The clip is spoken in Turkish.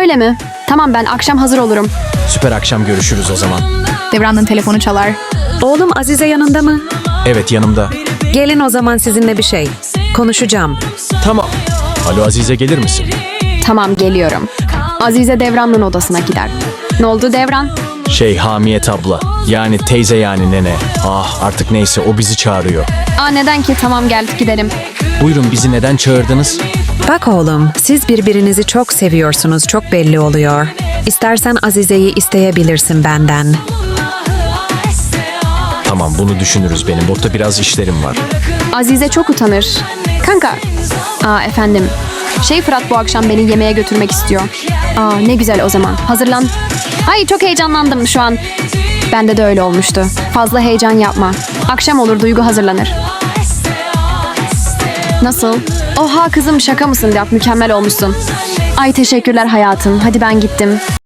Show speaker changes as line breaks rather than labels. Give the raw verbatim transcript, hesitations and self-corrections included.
Öyle mi? Tamam, ben akşam hazır olurum.
Süper, akşam görüşürüz o zaman.
Devran'ın telefonu çalar.
Oğlum Azize yanında mı?
Evet, yanımda.
Gelin o zaman sizinle bir şey. Konuşacağım.
Tamam. Alo Azize, gelir misin?
Tamam, geliyorum. Azize Devran'ın odasına gider. Ne oldu Devran?
Şey, Hamiyet abla. Yani teyze, yani nene. Ah, artık neyse, o bizi çağırıyor.
Aa, neden ki? Tamam, gel gidelim.
Buyurun, bizi neden çağırdınız?
Bak oğlum, siz birbirinizi çok seviyorsunuz, çok belli oluyor. İstersen Azize'yi isteyebilirsin benden.
Tamam, bunu düşünürüz, benim burada biraz işlerim var.
Azize çok utanır. Kanka. Aa, efendim. Şey, Fırat bu akşam beni yemeğe götürmek istiyor. Aa, ne güzel o zaman. Hazırlan. Ay, çok heyecanlandım şu an. Bende de öyle olmuştu. Fazla heyecan yapma. Akşam olur, Duygu hazırlanır. Nasıl? Oha kızım, şaka mısın? Yap, mükemmel olmuşsun. Ay teşekkürler hayatım. Hadi ben gittim.